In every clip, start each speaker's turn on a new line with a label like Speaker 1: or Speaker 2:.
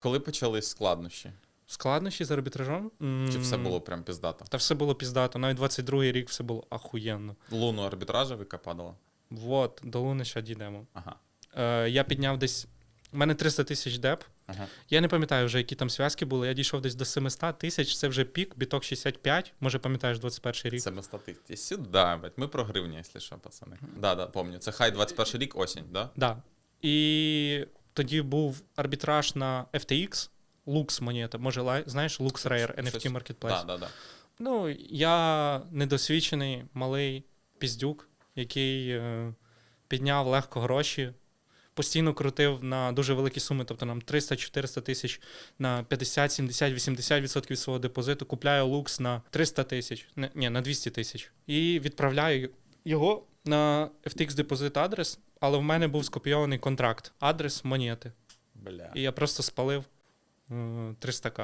Speaker 1: Коли почались складнощі?
Speaker 2: Складнощі з арбітражом?
Speaker 1: Чи все було прям піздато?
Speaker 2: Та все було піздато. Навіть 22-й рік все було ахуєнно.
Speaker 1: Луну арбітража яка падала?
Speaker 2: Вот, до Луни ще дійдемо.
Speaker 1: Ага.
Speaker 2: Я підняв десь... У мене 300 тисяч деп.
Speaker 1: Ага.
Speaker 2: Я не пам'ятаю вже, які там зв'язки були. Я дійшов десь до 700 тисяч. Це вже пік, біток 65. Може, пам'ятаєш, 21-й рік.
Speaker 1: Це статистики. Сюди, блядь. Ми про гривні, якщо що, пацани. Да, помню. Це хай 21 рік, осінь, да?
Speaker 2: Да. І тоді був арбітраж на FTX, Lux монета. Може, знаєш, Lux Rare, NFT Marketplace.
Speaker 1: Да.
Speaker 2: Ну, я недосвідчений, малий піздюк, який підняв легко гроші, постійно крутив на дуже великі суми, тобто нам 300-400 тисяч на 50, 70, 80% від свого депозиту, купляю лукс на 300 тисяч, на 200 тисяч. І відправляю його на FTX депозит адрес, але в мене був скопійований контракт, адрес монети.
Speaker 1: Бля.
Speaker 2: І я просто спалив 300к.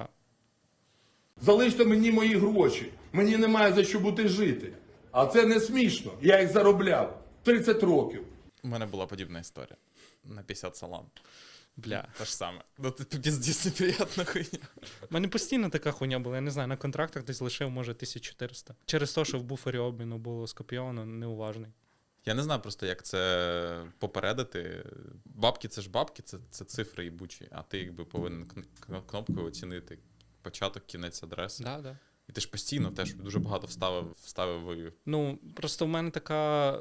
Speaker 3: Залиште мені мої гроші. Мені немає за що бути жити. А це не смішно. Я їх заробляв 30 років.
Speaker 1: У мене була подібна історія. На 50 салам.
Speaker 2: Бля.
Speaker 1: Те ж саме. Ну, це піздець неприятна хуйня.
Speaker 2: У мене постійно така хуйня була, я не знаю, на контрактах десь лишив, може, 1400. Через те, що в буфері обміну було скопійовано, неуважний.
Speaker 1: Я не знаю просто, як це попередити. Бабки — це ж бабки, це цифри їбучі, а ти якби повинен кнопкою оцінити початок, кінець адреси.
Speaker 2: Да.
Speaker 1: І ти ж постійно теж дуже багато вставив.
Speaker 2: Ну, просто в мене така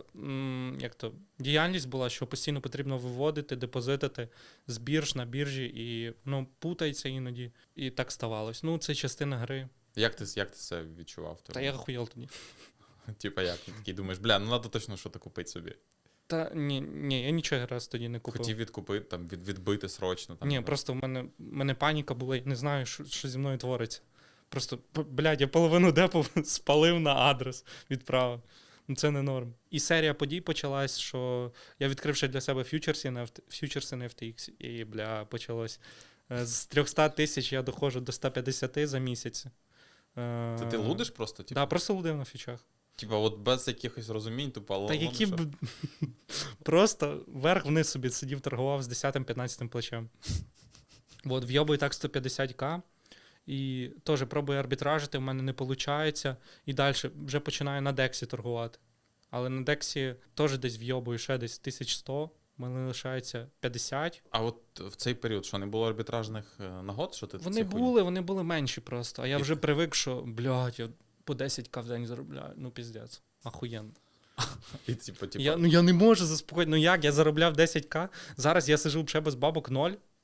Speaker 2: діяльність була, що постійно потрібно виводити, депозитити з бірж на біржі, і путається іноді. І так ставалось. Ну, це частина гри.
Speaker 1: Як ти це відчував?
Speaker 2: Та я охуєл тоді.
Speaker 1: Типа як? Ти такий думаєш, бля, ну треба точно щось купити собі.
Speaker 2: Та ні, я нічого раз тоді не купив.
Speaker 1: Хотів відкупити, там, відбити срочно. Там,
Speaker 2: Ні, просто в мене паніка була, я не знаю, що зі мною твориться. Просто, блядь, я половину депу спалив на адрес, відправив. Ну це не норм. І серія подій почалась, що я відкрив ще для себе фьючерси на FTX, і, почалось. З 300 тисяч я доходжу до 150 за місяць.
Speaker 1: Це ти лудиш просто?
Speaker 2: Так, да, просто лудив на фьючах.
Speaker 1: Типа, от без якихось розумінь, тупо
Speaker 2: Та які б... Просто вверх-вниз собі сидів, торгував з 10-15 плечем. От, вйобую так 150к. І теж пробую арбітражити, в мене не виходить. І далі вже починаю на Дексі торгувати. Але на Дексі теж десь вйобую ще десь 1100, в мене лишається 50.
Speaker 1: А от в цей період, що не було арбітражних нагод? Що ти
Speaker 2: Вони були менші просто. А я вже привик, що, блядь, я по 10к в день заробляю. Ну, піздець. Ахуєнно.
Speaker 1: І, типу...
Speaker 2: Я не можу заспокоїти. Ну як? Я заробляв 10к. Зараз я сижу вже без бабок 0.